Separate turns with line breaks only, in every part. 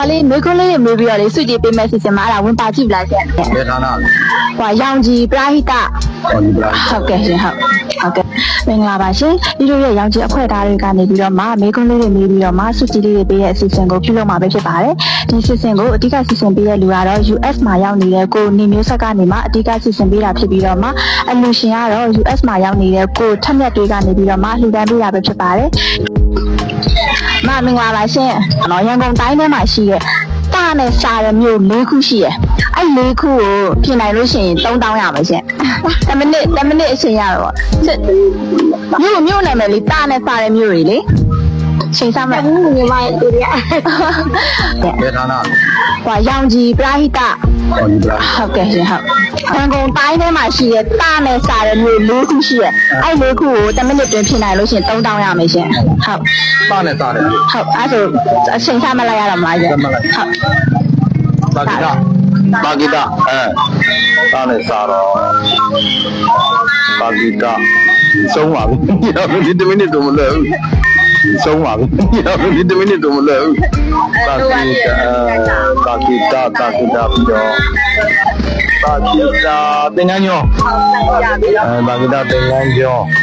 လေးမေခွန်းလေးတွေမေးပြီးတော့လေစုကြည်ပေးမဲ့စီစဉ်မှာအဲ့ဒါဝင်ပါကြည့်လားရှင်
ဘယ်ဌာနလဲ
ဟိုရောင်ကြီးပရာဟိတဟုတ်ကဲ့ရှင်ဟုတ်မင်္ဂလာပါရှင်ဒီလိုရဲ့ရောင်ကြီးအဖွဲ့သားတွေကနေပြီးတော့မေခွန်းလေးတွေမေးပြီးတော့စုကြည်လေးတွေပေးရဲ့အစီအစဉ်ကိုပြုလုပ်မှာပဲဖြစ်ပါတယ်ဒီစီစဉ်ကိုအဓိကစီစဉ်ပေးတဲ့လူကတော့ US မှာရောက်နေတဲ့ကိုနေမျိုးဆက်ကနေမှအဓိကစီစဉ်ပေးတာဖြစ်ပြီးတော့အလူရှင်ကတော့ US မှာရောက်နေတဲ့ကိုထက်မြက်တွေကနေပြီးတော့လှူဒန်းပေးတာပဲဖြစ်ပါတယ်မင်္ဂလာပါရှင်ရန်ကုန်တိုင်းထဲမှာရှိတဲ့တာနဲ့စာရမျိုး၄ခုရှိရယ်အဲ့၄ခုကိုပြင်နိုင်လို့ရှိရင်3000ရပါရှင်10မိနစ်အချိန်ရတော့မြို့နာမည်လေးတာနဲ့စာရမျိုးတွေလေချိန်စားမယ်ညီမရဲ့တူရ
ဘယ်ဌာနလဲ
ဟိုရောင်ကြီးပရာဟိတဟုတ်ကဲ့ရှင်ဟုတ်ရန်ကုန်တိုင်းထဲမှာရှိတဲ့တာနဲ့စာရမျိုး၄ခုရှိရယ်အဲ့၄ခုကို10မိနစ်တွင်ပြင်နိုင်လို့ရှိရင်3000ရမယ်ရှင်ဟုတ်
တာနဲ့စားတယ်
ဟုတ်အဲ့ဆိုအချိန်ချမလိုက်ရတော့မလားရှင်
ဟုတ်ပါကိတာတာနဲ့စားတော့ပါကိတာဆုံးပါပြီဒီ10မိနစ်တော့မလွယ်ဘူးဆုံးပါပြီဒီ10မိနစ်တော့မလွယ်ဘူးပါကိတာပြီးတော့ပါကိတာသင်္ကန်းကျော်ပါကိတာသင်္ကန်းကျော်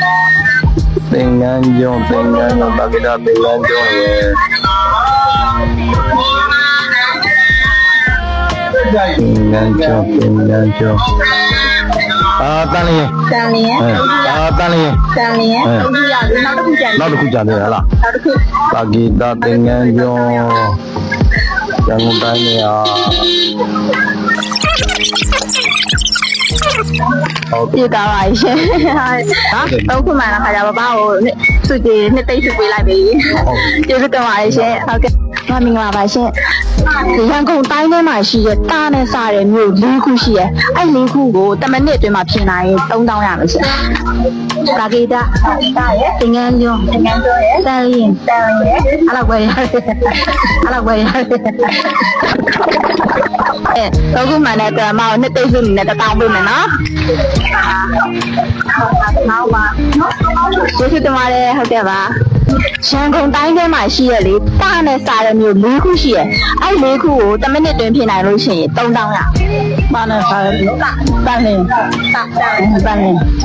ပါကိတာသင်္ကန်းကျော်ရဲ့သင်္ကန်းကျော်တန်လျင်
တန်လျင်ဟုတ်ကြရတယ်
နောက်တစ်ခုကြံတယ်ဟလား
နောက်တစ်ခု
ပါကိတာသင်္ကန်းကျော်ရန်ကုန်တိုင်းနေရာ
ဟုတ်ပြတာပါရှင်တော့ခုမှလာခါကြပါဘာကိုစုကြည်နှစ်သိမ့်စုပေးလိုက်ပြီကျေးဇူးတင်ပါတယ်ရှင်ဟုတ်ကဲ့မင်္ဂလာပါရှင်ရန်ကုန်တိုင်းထဲမှာရှိတဲ့တာနဲ့စတဲ့မြို့၄ခုရှိရယ်အဲ့၄ခုကို10မိနစ်အတွင်းမှာပြင်နိုင်ရင်3000ရမယ်ရှင်ပါကိတာရဲ့သင်္ကန်းကျော်ရဲ့တန်လျင်အဲ့လောက်ပဲရတယ်တော့ခုမှလည်းကျွန်မတို့နှစ်သိမ့်စုနေနဲ့1000ပေးမယ်နော်ဟုတ်ပါကျေးဇူးတင်ပါတယ်ဟုတ်ကဲ့ပါရန်ကုန်တိုင်းထဲမှာရှိရလေတာနဲ့စာရမျိုး၄ခုရှိရအဲ့၄ခုကို10မိနစ်တွင်ပြင်နိုင်လို့ရှိရင်3000ရပါနဲ့စာရမျိုးတန်လင်းဟုတ်တ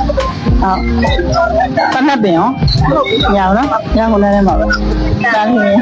နက်ပင်ရောညအောင်နော်ညကုန်လည်းမှာပဲတန်လင်း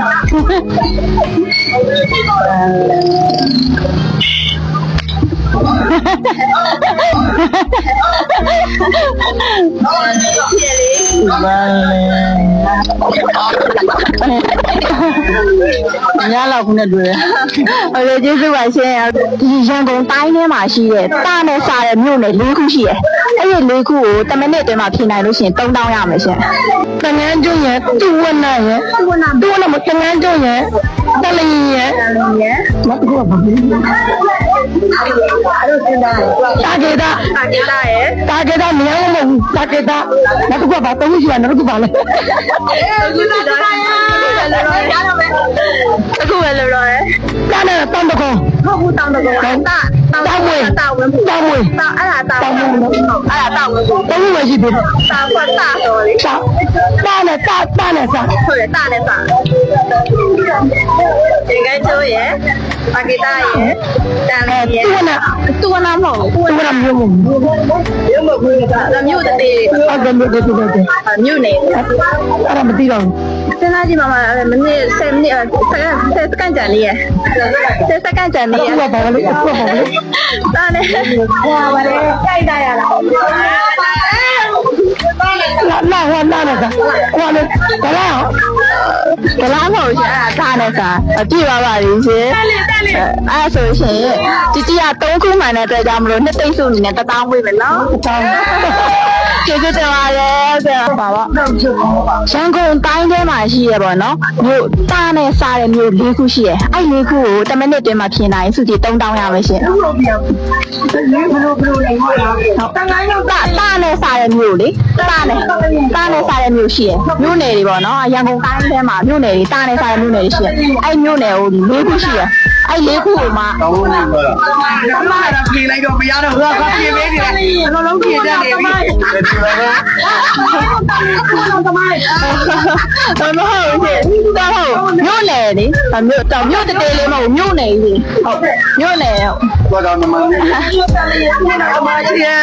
ညလောက်ခုနဲ့တွေ့ဟုတ်တယ်ကျေးဇူးပါရှင်ဒီရန်ကုန်တိုင်းထဲမှာရှိတဲ့တာနဲ့စာတဲ့မြို့နယ်၄ခုရှိတယ်အဲ့ဒီ၄ခုကို10မိနစ်အတွင်းမှာပြင်နိုင်လို့ရှိရင်3000ရမယ်ရှင်တငန်းကျွန်းရဲ့တူဝနာရဲ့တူဝနာမတငန်းကျွန်းရဲ့တလင်းရဲ့မတူဘူးဘာဖြစ်လဲအဲ့ဒါတာကေတာနေရာမဟုတ်တာကေတာနောက်တစ်ခုကဘာတုံးရှိရနောက်တစ်ခုပါလဲအခုပဲလို့တော့တာနဲ့တောင်းတကောဟုတ်ဘူးတောင်းတကောတောင်းဝဲအဲ့ဒါတောင်းဝဲတောင်းဝင်ရှိပြီတာခွတ်တာတော်လေတာနဲ့စားဟုတ်တယ်တာနဲ့စားဒီကဲချိုးရဲ့ပါကိတာရဲ့တန်လေးရဲ့တူဝနာမဟုတ်ဘူးတူဝနာမျိုးမဟုတ်ဘူးမြို့တည်းဟုတ်တယ်မြို့နေအဲ့ဒါမသိတော့စဉ်းစားကြည့်ပါမနစ်10မိနစ်10စက္ကန့်ကြာလေးရဲ့10စက္ကန့်ကြာလေးရဲ့ဘာလဲတာနဲ့ဟောပါလေကြိုက်တာရလားလာနဲ့ကလာမဟုတ်ရှင်အဲ့ဒါနဲ့စာကြည့်ပါပါလိရှင်အဲ့ဆိုရှင်ជីជីက3ခုမှန်တဲ့အတွက်ကြောင့်မလို့နှစ်သိမ့်စုအနေနဲ့1000ပေးမယ်နော်ကျေးဇူးတင်ပါတယ်ဆရာပါပါရန်ကုန်တိုင်းထဲမှာရှိရပေါ့နော်မြို့တာနဲ့စားတဲ့မြို့၄ခုရှိရအဲ့၄ခုကို10မိနစ်တွင်မှာပြင်နိုင်စုကြည်3000ရမယ်ရှင်ဟုတ်တန်ခိုင်းတော့တာနဲ့စားတဲ့မြို့လေတာနဲ့စားတဲ့မြို့ရှိရမြို့နယ်တွေပေါ့နော်ရန်ကုန်တိုင်းထဲမှာမြို့နယ်တွေတာနဲ့စားတဲ့မြို့နယ်တွေရှိရအဲ့မြို့နယ်ကို၄ခုရှိရအဲ့လေးခုကိုမှ
တောင်းလို့ပြောတာ
အမကပြင်လိုက်တော့မရတော့ဘူးကပြင်ပေးနေတယ်အလုံးလုံးပြင်တတ်နေပြီ
ဒီလိုပဲ
တော့မဟုတ်ဘူးရှင်တော့မြို့နယ်လေမြို့တောင်မြို့တေးလေးမဟုတ်မြို့နယ်ကြီးဟုတ်မြို့နယ်ဟုတ်
တော့နမလေး
အမရှိရဲ့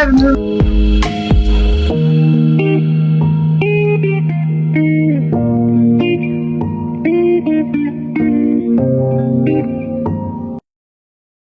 ဟ